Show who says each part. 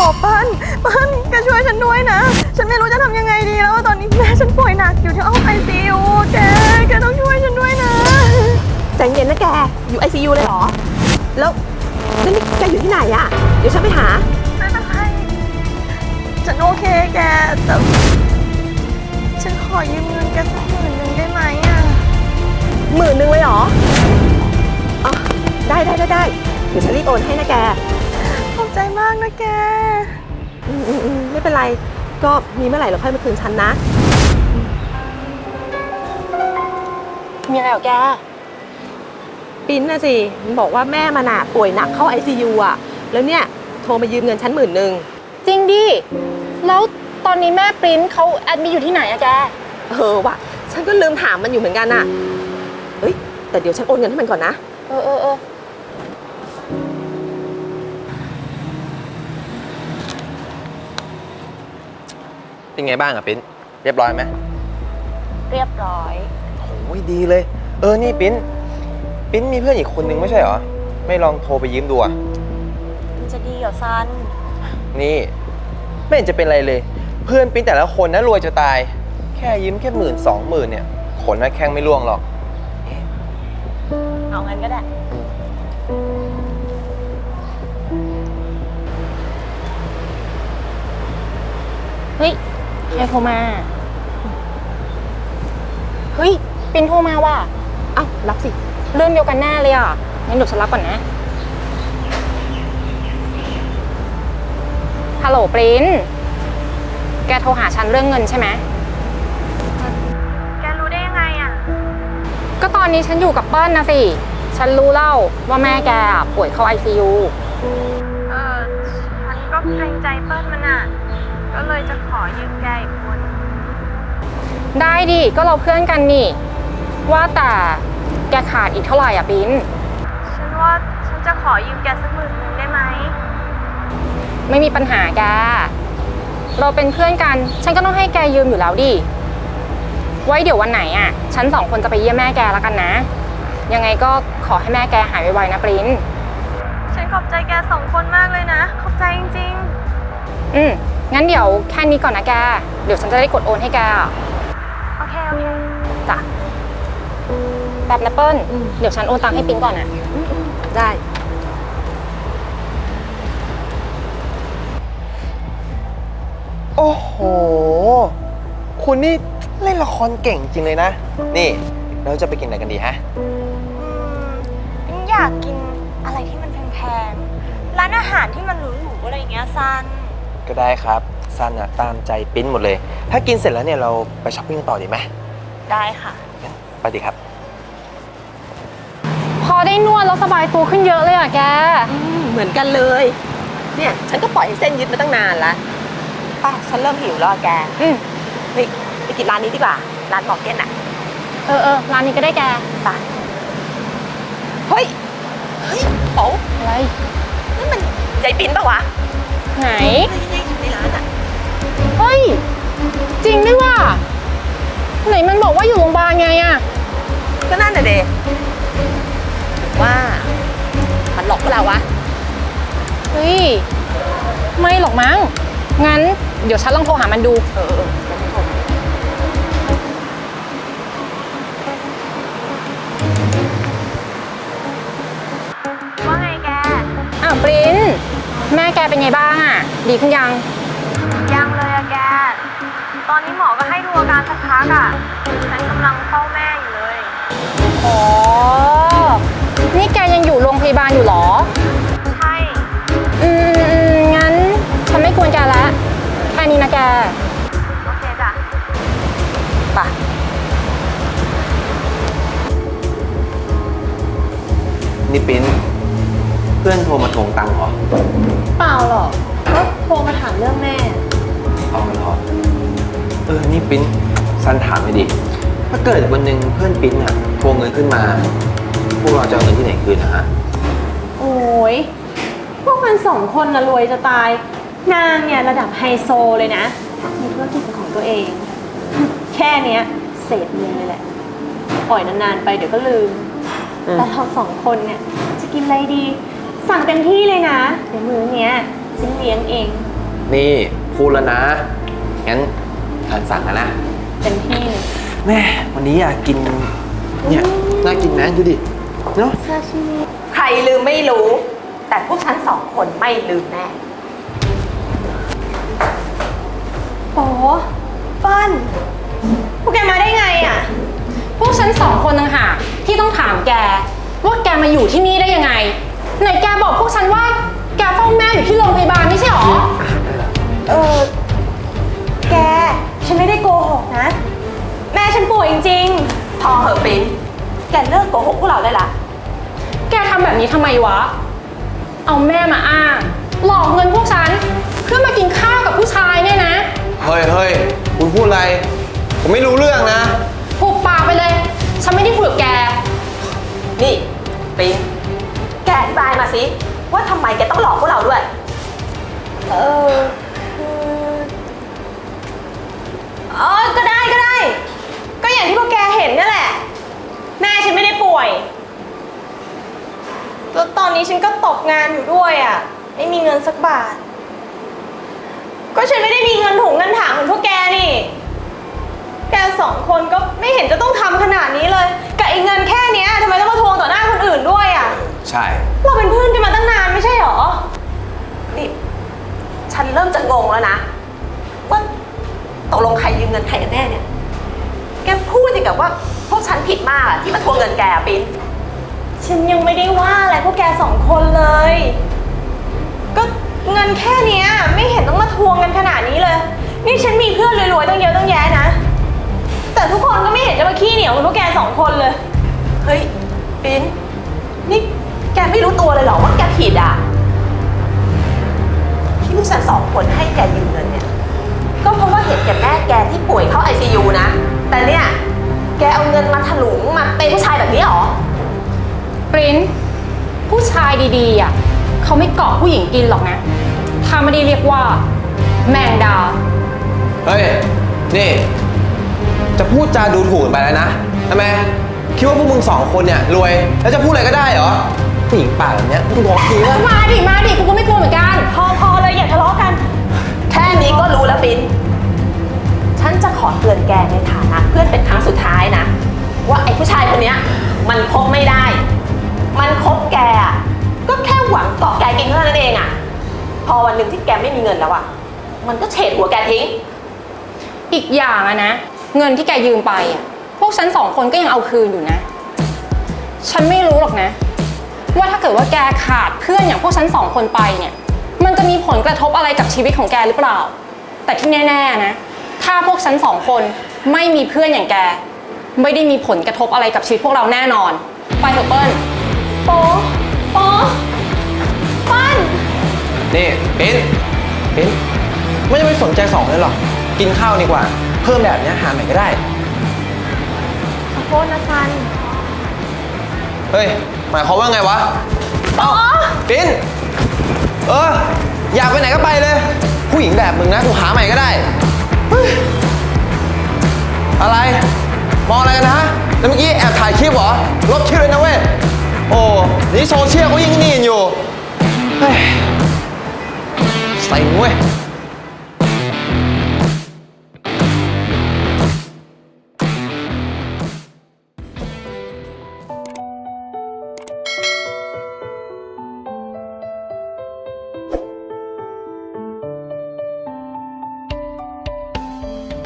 Speaker 1: เปิ้ลแกช่วยฉันด้วยนะฉันไม่รู้จะทำยังไงดีแล้วตอนนี้แม่ฉันป่วยหนักอยู่ที่ห้อง ICU แกต้องช่วยฉันด้วยนะ
Speaker 2: ใจเย็นนะแกอยู่ ICU เลยเหรอแล้วนี่แกอยู่ที่ไหนอะเดี๋ยวฉันไปหา
Speaker 1: ไม่เป็นไรฉันโอเคแกแต่ฉันขอยืมเงินแกสัก10,000ได้ไหมอะ
Speaker 2: 10,000เลยเหรออ๋อได้เดี๋ยวฉันรีบโอนให้นะแก
Speaker 1: ขอบใจมากนะแก
Speaker 2: ไม่เป็นไรก็มีเมื่อไหร่เราค่อยมาคืนฉันนะ
Speaker 3: มีอะไรเหรอแก
Speaker 2: ปิ้นนะสิมันบอกว่าแม่มันป่วยหนักเข้า ICU อะแล้วเนี่ยโทรมายืมเงินฉัน10,000
Speaker 3: จริงดิแล้วตอนนี้แม่ปริ้นเขาแอดมิทอยู่ที่ไหนอะแก
Speaker 2: ว่ะฉันก็ลืมถามมันอยู่เหมือนกันอะเฮ้ยแต่เดี๋ยวฉันโอนเงินให้มันก่อนนะ
Speaker 4: เป็นไงบ้างอะปิ้นเรียบร้อยไหม
Speaker 3: เรียบร้อย
Speaker 4: โอ้ยดีเลยนี่ปิ้นมีเพื่อนอีกคนนึงไม่ใช่เหรอไม่ลองโทรไปยืมดูอะ
Speaker 3: มันจะดีเหรอซัน
Speaker 4: นี่ไม่เห็นจะเป็นไรเลยเพื่อนปิ้นแต่ละคนนะรวยจะตายแค่ยืมแค่10,000-20,000เนี่ยขนหน้าแข้งไม่ร่วงหรอก
Speaker 3: เอางั้นก็ได้เฮ้ยใครโทรมาเฮ้ยปินโทรมาว่ะ
Speaker 2: เอ้ารับสิ
Speaker 3: เรื่องเดียวกันแน่เลยอ่ะงั้นเดี๋ยวฉันรับก่อนนะฮัลโหลปริ้นแกโทรหาฉันเรื่องเงินใช่ไหม
Speaker 1: แกรู้ได้ยังไงอ่ะ
Speaker 3: ก็ตอนนี้ฉันอยู่กับเปิ้ลนะสิฉันรู้เล่าว่าแม่แกป่วยเข้า ICU
Speaker 1: ฉันก็เกรงใจเปิ้ลมันอ่ะก็เลยจะขอยืมแกอีกคน
Speaker 3: ได้ดิก็เราเพื่อนกันนี่ว่าแต่แกขาดอีกเท่าไหร่อ่ะปิ้น
Speaker 1: ฉันว่าฉันจะขอยืมแกสัก10,000ได้ไหม
Speaker 3: ไม่มีปัญหาแกเราเป็นเพื่อนกันฉันก็ต้องให้แกยืมอยู่แล้วดิไว้เดี๋ยววันไหนอ่ะฉัน2คนจะไปเยี่ยมแม่แกแล้วกันนะยังไงก็ขอให้แม่แกหายไวๆนะปริ้น
Speaker 1: ฉันขอบใจแก2คนมากเลยนะขอบใจจริง
Speaker 3: ๆงั้นเดี๋ยวแค่นี้ก่อนนะแกเดี๋ยวฉันจะได้กดโอนให้แก
Speaker 1: โอเค
Speaker 3: จ้ะแบบนะเปิ้ลเดี๋ยวฉันโอนตังค์ให้ปริ้นก่อนนะ
Speaker 2: ได้
Speaker 4: โอ้โหคุณนี่เล่นละครเก่งจริงเลยนะนี่เราจะไปกินอะไรกันดีฮะ
Speaker 1: อยากกินอะไรที่มันแพงๆร้านอาหารที่มันหรูๆอะไรอย่างเงี้ยซัน
Speaker 4: ก็ได้ครับซันอะตามใจปิ้นหมดเลยถ้ากินเสร็จแล้วเนี่ยเราไปช้อปปิ้งกันต่อดีไหม
Speaker 1: ได้ค่ะ
Speaker 4: ไปดีครับ
Speaker 3: พอได้นวดแล้วสบายตัวขึ้นเยอะเลยอ่ะแก
Speaker 2: เหมือนกันเลยเนี่ยฉันก็ปล่อยให้เส้นยึดมาตั้งนานแล้วป้าฉันเริ่มหิวแล้วแกเฮ้ยไปกินร้านนี้ดีกว่าร้านหมอกเก็ตอ่ะ
Speaker 3: ร้านนี้ก็ได้แก
Speaker 2: ไปเฮ้ยโป๊
Speaker 3: อะไร
Speaker 2: นั่นมันใจปิ้นปะวะ
Speaker 3: ไหน
Speaker 2: ในร้านอ่ะ
Speaker 3: เฮ้ยจริงด้วยว่ะไหนมันบอกว่าอยู่โรงพยาบาลไงอ่ะ
Speaker 2: ก็นั่นน่ะเดว่ามันหลอกพวกเราวะ
Speaker 3: เฮ้ยไม่หรอกมั้งงั้นเดี๋ยวฉันลองโทรหามันดู
Speaker 1: ว่าไงแก
Speaker 3: ปริ้นแม่แกเป็นไงบ้างอ่ะดีขึ้นยัง
Speaker 1: เลยอะแกตอนนี้หมอก็ให้ดูอาการสักพักอะฉันกำลังเฝ้าแม่อยู่เลย
Speaker 3: อ๋อนี่แกยังอยู่โรงพยาบาลอยู่หรอ
Speaker 1: ใช่
Speaker 3: งั้นฉันไม่กวนแกแล้วแค่นี้นะแก
Speaker 1: โอเคจ้ะ
Speaker 2: ไป
Speaker 4: นี่ปิ้นเพื่อนโทรมาทวงตังค์เหรอ
Speaker 1: เปล่าหรอกก็โทรมาถามเรื่องแม่
Speaker 4: เอาเหรอนี่ปิ้นซันถามเลยดิถ้าเกิดวันหนึ่งเพื่อนปิ้นอะทวงเงินขึ้นมาพวกเราจะเอาเงินที่ไหนคืนนะฮะ
Speaker 1: โอ้ยพวกมัน2คนนะรวยจะตายนางเนี่ยระดับไฮโซเลยนะมีธุรกิจเป็นของตัวเองแค่เนี้ยเศษเงินเลยแหละปล่อยนานๆไปเดี๋ยวก็ลืมแต่เรา2คนเนี่ยจะกินอะไรดีสั่งเต็มที่เลยนะเดี๋ยวมื้อเนี้ยฉันเลี้ยงเอง
Speaker 4: นี่พูดแล้วนะ งั้นฉันสั่งแล้วนะ
Speaker 1: เต็มที่เลย
Speaker 4: แม่วันนี้อยากกิน เนี่ย น่ากินนะดูดิ เนาะ
Speaker 1: ซาชิมิ
Speaker 2: ใครลืมไม่รู้ แต่พวกฉันสองคนไม่ลืมแน่
Speaker 1: โป๊เปิ้ลพวกแกมาได้ไงอ่ะ
Speaker 3: พวกฉันสองคนต่างหากที่ต้องถามแกว่าแกมาอยู่ที่นี่ได้ยังไงไหนแกบอกพวกฉันว่าแกเฝ้าแม่อยู่ที่โรงพยาบาลไม่ใช่หรอ
Speaker 1: แก ฉันไม่ได้โกหกนะ แม่ฉันป่วยจริง
Speaker 2: พอเหอะปิ้นแกเลิกโกหกพวกเราได้ละ
Speaker 3: แกทำแบบนี้ทำไมวะ เอาแม่มาอ้างหลอกเงินพวกฉันเพื่อมากินข้าวกับผู้ชายเนี่ยนะ
Speaker 4: เฮ้ยคุณพูดอะไร ผมไม่รู้เรื่องนะ
Speaker 3: ผูกปากไปเลย ฉันไม่ได้คุยกับแก
Speaker 2: นี่ปิ้นแกอธิบายมาสิว่าทำไมแกต้องหลอกพวกเราด้วย
Speaker 1: ๆ ก็ได้ ก็อย่างที่พวกแกเห็นนั่นแหละ แม่ฉันไม่ได้ป่วย แล้วตอนนี้ฉันก็ตกงานอยู่ด้วยอ่ะ ไม่มีเงินสักบาท ก็ฉันไม่ได้มีเงินถุงเงินถังเหมือนพวกแกนี่ แกสองคนก็ไม่เห็นจะต้องทำขนาดนี้เลยกับไอ้เงินแค่เนี้ยทำไมต้องมาทวงต่อหน้าคนอื่นด้วยอ่ะ
Speaker 4: ใช่
Speaker 1: เราเป็นเพื่อนกันมาตั้งนานไม่ใช่หรอ
Speaker 2: นี่ฉันเริ่มจะงงแล้วนะ ว่าตกลงใครยืมเงินใครกันแน่เนี่ย แกพูดอย่างกับว่าพวกฉันผิดมากอะที่มาทวงเงินแกอะปิ้น
Speaker 1: ฉันยังไม่ได้ว่าอะไรพวกแกสองคนเลย ก็เงินแค่เนี้ยไม่เห็นต้องมาทวงกันขนาดนี้เลย นี่ฉันมีเพื่อนรวยๆตั้งเยอะตั้งแยะนะ แต่ทุกคนก็ไม่เห็นจะมาขี้เหนียวเหมือนพวกแกสองคนเลย
Speaker 2: เฮ้ยปิ้นนี่แกไม่รู้ตัวเลยเหรอว่าแกผิดอ่ะที่พวกฉันสองคนให้แกยืมเงินเนี่ย ก็เพราะว่าเห็นแกแม่แกที่ป่วยเข้า ICU นะ แต่เนี่ย แกเอาเงินมาถลุงมาเป็นผู้ชายแบบนี้เหรอ
Speaker 3: ปริ้นผู้ชายดีๆอ่ะเขาไม่เกาะผู้หญิงกินหรอกนะถ้าไม่ได้เรียกว่า แมงดา
Speaker 4: เฮ้ย นี่ จะพูดจาดูถูกกันไปแล้วนะทำไม คิดว่าพวกมึงสองคนเนี่ยรวย แล้วจะพูดอะไรก็ได้เหรอ ผู้หญิงปากแบบเนี้ยมึงบอกทีว่า
Speaker 3: มาดิกูก็ไม่กลัวเหมือนกัน
Speaker 1: พอเลยอย่าทะเลาะกัน
Speaker 2: แค่นี้ก็รู้แล้วปิ้นฉันจะขอเตือนแกในฐานะเพื่อนเป็นครั้งสุดท้ายนะ ว่าไอ้ผู้ชายคนเนี้ยมันคบไม่ได้ มันคบแกอะก็แค่หวังเกาะแกกินเท่านั้นเองอะพอวันหนึ่งที่แกไม่มีเงินแล้วอะมันก็เฉดหัวแกทิ้ง
Speaker 3: อีกอย่างอะนะ เงินที่แกยืมไปอะพวกฉันสองคนก็ยังเอาคืนอยู่นะ ฉันไม่รู้หรอกนะ ว่าถ้าเกิดว่าแกขาดเพื่อนอย่างพวกฉันสองคนไปเนี่ย มันจะมีผลกระทบอะไรกับชีวิตของแกหรือเปล่า แต่ที่แน่ๆนะ ถ้าพวกฉันสองคนไม่มีเพื่อนอย่างแก ไม่ได้มีผลกระทบอะไรกับชีวิตพวกเราแน่นอน ไปเถอะเปิ้ล
Speaker 1: โป๊ปั้น
Speaker 4: นี่ปิ้นไม่จะไปสนใจสองเลยหรอก กินข้าวดีกว่า เพิ่มแบบเนี้ยหาใหม่ก็ได้
Speaker 1: ขอโทษนะซัน
Speaker 4: เฮ้ย หมายความว่าไงวะ เอ้าปิ้นอยากไปไหนก็ไปเลย ผู้หญิงแบบมึงนะกูหาใหม่ก็ได้เฮ้ยอะไร มองอะไรกันนะแล้วเมื่อกี้แอบถ่ายคลิปเหรอ ลบคลิปเลยนะเว้ย โอ้ นี่โซเชียลก็ยิ่งนี่อยู่ เฮ้ยใส่เว้ย